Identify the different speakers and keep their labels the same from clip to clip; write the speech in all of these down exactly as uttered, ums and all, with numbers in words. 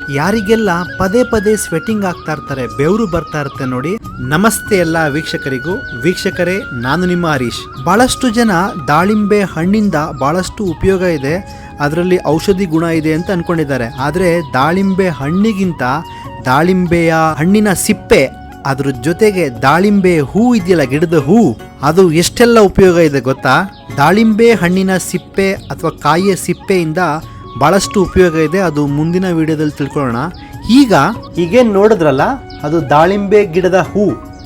Speaker 1: ಯಾರಿಗೆಲ್ಲ ಪದೇ ಪದೇ ಸ್ವೆಟಿಂಗ್ ಆಗ್ತಾ ಇರ್ತಾರೆ, ಬೆವರು ಬರ್ತಾ ಇರುತ್ತೆ ನೋಡಿ. ನಮಸ್ತೆ ಎಲ್ಲ ವೀಕ್ಷಕರಿಗೂ. ವೀಕ್ಷಕರೇ, ನಾನು ನಿಮ್ಮ ಹರೀಶ್. ಬಹಳಷ್ಟು ಜನ ದಾಳಿಂಬೆ ಹಣ್ಣಿಂದ ಬಹಳಷ್ಟು ಉಪಯೋಗ ಇದೆ, ಅದರಲ್ಲಿ ಔಷಧಿ ಗುಣ ಇದೆ ಅಂತ ಅನ್ಕೊಂಡಿದ್ದಾರೆ. ಆದರೆ ದಾಳಿಂಬೆ ಹಣ್ಣಿಗಿಂತ ದಾಳಿಂಬೆಯ ಹಣ್ಣಿನ ಸಿಪ್ಪೆ, ಅದ್ರ ಜೊತೆಗೆ ದಾಳಿಂಬೆ ಹೂ ಇದೆಯಲ್ಲ, ಗಿಡದ ಹೂ, ಅದು ಎಷ್ಟೆಲ್ಲ ಉಪಯೋಗ ಇದೆ ಗೊತ್ತಾ? ದಾಳಿಂಬೆ ಹಣ್ಣಿನ ಸಿಪ್ಪೆ ಅಥವಾ ಕಾಯಿಯ ಸಿಪ್ಪೆಯಿಂದ ಬಹಳಷ್ಟು ಉಪಯೋಗ ಇದೆ. ಅದು ಮುಂದಿನ ವಿಡಿಯೋದಲ್ಲಿ ತಿಳ್ಕೊಳ್ಳೋಣ. ಈಗ ಈಗೇನು ನೋಡಿದ್ರಲ್ಲ, ಅದು ದಾಳಿಂಬೆ ಗಿಡದ ಹೂ.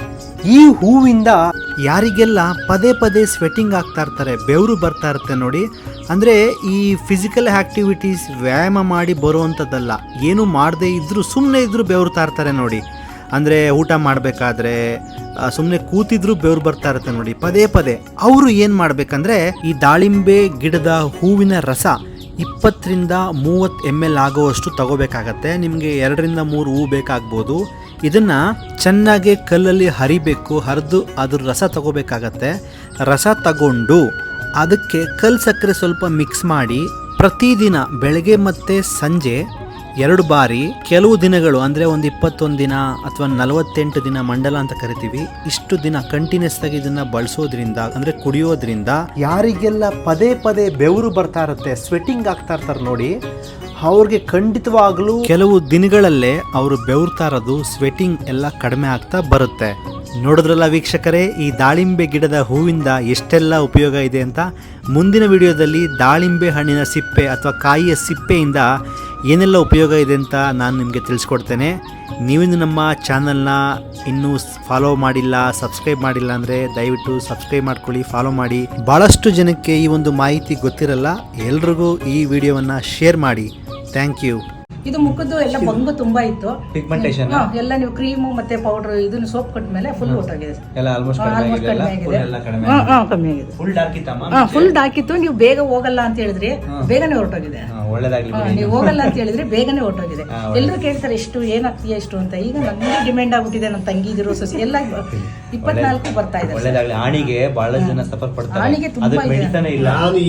Speaker 1: ಈ ಹೂವಿಂದ ಯಾರಿಗೆಲ್ಲ ಪದೇ ಪದೇ ಸ್ವೆಟಿಂಗ್ ಆಗ್ತಾ ಇರ್ತಾರೆ, ಬೆವರು ಬರ್ತಾ ಇರುತ್ತೆ ನೋಡಿ. ಅಂದರೆ ಈ ಫಿಸಿಕಲ್ ಆ್ಯಕ್ಟಿವಿಟೀಸ್ ವ್ಯಾಯಾಮ ಮಾಡಿ ಬರುವಂಥದ್ದಲ್ಲ, ಏನು ಮಾಡದೇ ಇದ್ದರೂ ಸುಮ್ಮನೆ ಇದ್ದರೂ ಬೆವರ್ತಾ ಇರ್ತಾರೆ ನೋಡಿ. ಅಂದರೆ ಊಟ ಮಾಡಬೇಕಾದ್ರೆ ಸುಮ್ಮನೆ ಕೂತಿದ್ರು ಬೆವರು ಬರ್ತಾ ಇರುತ್ತೆ ನೋಡಿ ಪದೇ ಪದೇ. ಅವರು ಏನು ಮಾಡಬೇಕಂದ್ರೆ, ಈ ದಾಳಿಂಬೆ ಗಿಡದ ಹೂವಿನ ರಸ ಇಪ್ಪತ್ತರಿಂದ ಮೂವತ್ತು ಎಮ್ ಎಲ್ ಆಗುವಷ್ಟು ತಗೋಬೇಕಾಗತ್ತೆ. ನಿಮಗೆ ಎರಡರಿಂದ ಮೂರು ಹೂ ಬೇಕಾಗ್ಬೋದು. ಇದನ್ನು ಚೆನ್ನಾಗಿ ಕಲ್ಲಲ್ಲಿ ಹರಿಬೇಕು, ಹರಿದು ಅದ್ರ ರಸ ತಗೋಬೇಕಾಗತ್ತೆ. ರಸ ತಗೊಂಡು ಅದಕ್ಕೆ ಕಲ್ಲು ಸಕ್ಕರೆ ಸ್ವಲ್ಪ ಮಿಕ್ಸ್ ಮಾಡಿ ಪ್ರತಿದಿನ ಬೆಳಗ್ಗೆ ಮತ್ತು ಸಂಜೆ ಎರಡು ಬಾರಿ ಕೆಲವು ದಿನಗಳು, ಅಂದರೆ ಒಂದು ಇಪ್ಪತ್ತೊಂದು ದಿನ ಅಥವಾ ನಲವತ್ತೆಂಟು ದಿನ, ಮಂಡಲ ಅಂತ ಕರಿತೀವಿ, ಇಷ್ಟು ದಿನ ಕಂಟಿನ್ಯೂಸ್ ಆಗಿ ಇದನ್ನ ಬಳಸೋದ್ರಿಂದ, ಅಂದರೆ ಕುಡಿಯೋದ್ರಿಂದ ಯಾರಿಗೆಲ್ಲ ಪದೇ ಪದೇ ಬೆವರು ಬರ್ತಾ ಇರುತ್ತೆ, ಸ್ವೆಟಿಂಗ್ ಆಗ್ತಾ ಇರ್ತಾರೆ ನೋಡಿ, ಅವ್ರಿಗೆ ಖಂಡಿತವಾಗ್ಲೂ ಕೆಲವು ದಿನಗಳಲ್ಲೇ ಅವರು ಬೆವರ್ತಾ ಇರೋದು, ಸ್ವೆಟಿಂಗ್ ಎಲ್ಲ ಕಡಿಮೆ ಆಗ್ತಾ ಬರುತ್ತೆ. ನೋಡಿದ್ರಲ್ಲ ವೀಕ್ಷಕರೇ, ಈ ದಾಳಿಂಬೆ ಗಿಡದ ಹೂವಿಂದ ಎಷ್ಟೆಲ್ಲ ಉಪಯೋಗ ಇದೆ ಅಂತ. ಮುಂದಿನ ವಿಡಿಯೋದಲ್ಲಿ ದಾಳಿಂಬೆ ಹಣ್ಣಿನ ಸಿಪ್ಪೆ ಅಥವಾ ಕಾಯಿಯ ಸಿಪ್ಪೆಯಿಂದ ಏನೆಲ್ಲ ಉಪಯೋಗ ಇದೆ ಅಂತ ನಾನು ನಿಮಗೆ ತಿಳಿಸ್ಕೊಡ್ತೇನೆ. ನೀವಿನ್ನು ನಮ್ಮ ಚಾನಲ್ನ ಇನ್ನೂ ಫಾಲೋ ಮಾಡಿಲ್ಲ, ಸಬ್ಸ್ಕ್ರೈಬ್ ಮಾಡಿಲ್ಲ ಅಂದರೆ ದಯವಿಟ್ಟು ಸಬ್ಸ್ಕ್ರೈಬ್ ಮಾಡ್ಕೊಳ್ಳಿ, ಫಾಲೋ ಮಾಡಿ. ಭಾಳಷ್ಟು ಜನಕ್ಕೆ ಈ ಒಂದು ಮಾಹಿತಿ ಗೊತ್ತಿರಲ್ಲ, ಎಲ್ರಿಗೂ ಈ ವಿಡಿಯೋವನ್ನು ಶೇರ್ ಮಾಡಿ. Thank you.
Speaker 2: ಇದು ಮುಖದ್ದು ಎಲ್ಲ ಬಂಗು ತುಂಬಾ ಇತ್ತು,
Speaker 3: ಪಿಗ್ಮೆಂಟೇಷನ್
Speaker 2: ಎಲ್ಲ ನೀವು ಕ್ರೀಮು ಮತ್ತೆ ಪೌಡರ್ ಇದನ್ನ ಸೋಪ್ ಕೊಟ್ಟ ಮೇಲೆ ಫುಲ್ ಹೊರಟೋಗಿದೆ,
Speaker 3: ಎಲ್ಲ ಆಲ್ಮೋಸ್ಟ್ ಕಡಿಮೆ ಆಗಿದೆ,
Speaker 2: ಕಡಿಮೆ ಆಗಿದೆ.
Speaker 3: ಫುಲ್ ಡಾರ್ಕ್ ಇತ್ತಮ್ಮ,
Speaker 2: ಫುಲ್ ಡಾರ್ಕ್ ಇತ್ತು. ನೀವು ಬೇಗ ಹೋಗಲ್ಲ ಅಂತ ಹೇಳಿದ್ರಿ, ಬೇಗನೆ ಹೊರಟೋಗಿದೆ.
Speaker 3: ಒಳ್ಳೇದಾಗ್ಲಿ.
Speaker 2: ನೀವು ಹೋಗಲ್ಲ ಅಂತ ಹೇಳಿದ್ರೆ ಬೇಗನೆ ಹೊರಟೋಗಿದೆ. ಎಲ್ಲರೂ ಕೇಳ್ತಾರೆ ಎಷ್ಟು ಏನಾಗ್ತೀಯ ಎಷ್ಟು ಅಂತ. ಈಗ ನನಗೆ ಡಿಮ್ಯಾಂಡ್ ಆಗ್ಬಿಟ್ಟಿದೆ, ನಮ್ಮ ತಂಗಿದಿರು ಸೊಸಿ ಎಲ್ಲ ಇಪ್ಪತ್ನಾಲ್ಕು ಬರ್ತಾ ಇದೆ.
Speaker 3: ಒಳ್ಳೇದಾಗ್ಲಿ. ಆಣಿಗೆ ಬಹಳ ಜನ ಸಫರ್ ಪಡ್ತಾರೆ,
Speaker 2: ಆಣಿಗೆ ತುಂಬಾ
Speaker 3: ಮೆಡಿಸನ್ ಇಲ್ಲ.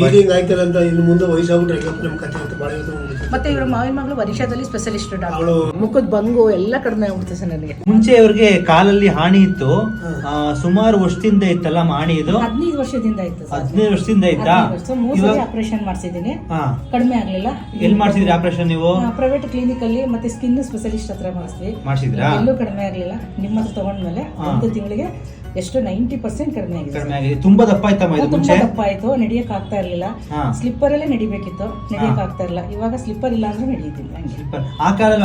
Speaker 2: ಮತ್ತೆ ಇವ್ರ ಮಾವಿನ ಮಗಳು ವರ್ಷದಲ್ಲಿ ಸ್ಪೆಷಲಿಸ್ಟ್ ಡಾಕ್ಟರ್. ಮುಖದ ಬಂಗು ಎಲ್ಲ ಕಡಿಮೆ ಆಗ್ಬಿಡ್ತದೆ ಸರ್ ನನಗೆ.
Speaker 3: ಮುಂಚೆ ಇವ್ರಿಗೆ ಕಾಲಲ್ಲಿ ಹಾನಿ ಇತ್ತು, ಸುಮಾರು ವರ್ಷದಿಂದ ಇತ್ತಲ್ಲ ಹಾನಿ. ಇದು
Speaker 2: ಹದಿನೈದು ವರ್ಷದಿಂದ ಇತ್ತು.
Speaker 3: ಹದಿನೈದು ವರ್ಷದಿಂದ ಇತ್ತಾ?
Speaker 2: ಮೂರು ಸಲ ಆಪರೇಷನ್ ಮಾಡಿಸಿದೀನಿ, ಕಡಿಮೆ ಆಗ್ಲಿಲ್ಲ.
Speaker 3: ಎಲ್ಲಿ ಮಾಡಿಸಿದ್ರಿ ಆಪರೇಷನ್ ನೀವು?
Speaker 2: ಪ್ರೈವೇಟ್ ಕ್ಲಿನಿಕ್ ಅಲ್ಲಿ, ಮತ್ತೆ ಸ್ಕಿನ್ ಸ್ಪೆಷಲಿಸ್ಟ್ ಹತ್ರ ಮಾಡಿಸ್ತೀವಿ.
Speaker 3: ಮಾಡಿಸಿದ್ರಾ?
Speaker 2: ಎಲ್ಲೂ ಕಡಿಮೆ ಆಗ್ಲಿಲ್ಲ. ನಿಮ್ಮ ಹತ್ರ ತಗೊಂಡ್ಮೇಲೆ ಒಂದು ತಿಂಗಳಿಗೆ ಎಷ್ಟು ನೈಂಟಿ ಪರ್ಸೆಂಟ್ ಕಡಿಮೆ ಆಗಿದೆ.
Speaker 3: ಕಡಿಮೆ ಆಗಿದೆ. ತುಂಬಾ ದಪ್ಪ ಆಯ್ತಮ್ಮ ಇದು ಮುಂಚೆ?
Speaker 2: ದಪ್ಪ ಆಯ್ತು, ನಡಿಯಕ್ ಆಗ್ತಾ ಇರ್ಲಿಲ್ಲ. ಸ್ಲಿಪ್ಪರ್ ಅಲ್ಲೇ ನಡಿಬೇಕಿತ್ತು, ನಡಿಯಕ್ ಆಗ್ತಾ ಇರಲಿಲ್ಲ. ಇವಾಗ ಸ್ಲಿಪ್ಪರ್ ಇಲ್ಲ ಅಂದ್ರೆ ನಡೆಯುತ್ತಿಲ್ಲ.
Speaker 3: ಆ ಕಾಲ